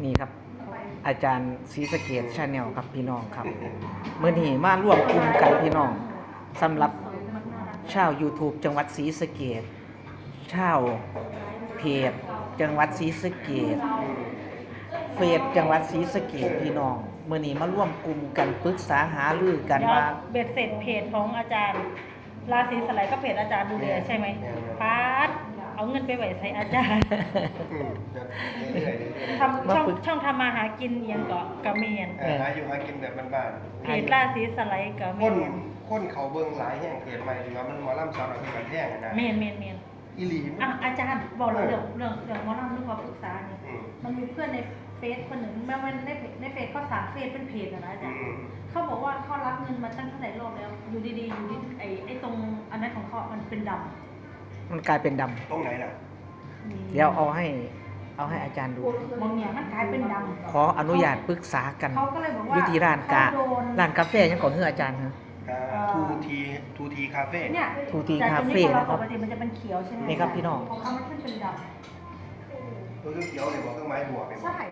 นี่ครับอาจารย์ศรีสะเกษ Channel ครับพี่น้องครับเมื่อนี้มาร่วมกลุ่มกันพี่น้องสำหรับชาว YouTube จังหวัดศรีสะเกษชาวเพจจังหวัดศรีสะเกษเฟซจังหวัดศรีสะเกษพี่น้องเมื่อนี้มาร่วมกลุ่มกันปรึกษาหารือกันว่าเบ็ดเสร็จเพจของอาจารย์ราศีสไลด์ก็เพจอาจารย์ดูแลใช่ไหมพาร์ทเอาเงินไปไหวใส่อาจารย์ทำช่องทำมาหากินเอียงกะเมียนหาอยู่หากินแบบบ้านเพจราศีสไลด์กะๆเมียนคนเขาเบิ่งหลายแห่งเพจใหม่ถือว่ามันหมอลำสาวหน่อยเป็นการแท่งนะเมียนอีหลีอาจารย์บอกเรื่องหมอลำเรื่องความปรึกษาเนี่ยมันมีเพื่อนในเฟซคนหนึ่งแม้ว่าในเฟซเขาสร้างเฟซเป็นเพจนะอาจารย์เขาบอกว่าเขารับเงินมาตั้งเท่าไหร่รอบแล้วอยู่ดีๆอยู่ที่ไอ้ตรงอันนั้นของเขามันเป็นดำมันกลายเป็นดำตรงไหนล่ะเดี๋ยวเอาให้อาจารย์ดูบางอย่างมันกลายเป็นดำขออนุญาตปรึกษากันเขาก็เลยบอกว่าอยู่ที่ร้านเขาโดนร้านกาแฟยังก่อนเฮืออาจารย์ฮะทูทีคาเฟ่เนี่ยทูทีจากคาเฟ่ตงนะครับปกติมันจะเป็นเขียวใช่ไหมนี่ครับพี่น้องของเขามันขึ้นเป็นดตัวเขียวเลยบอกเครื่องไม้บวกำใช่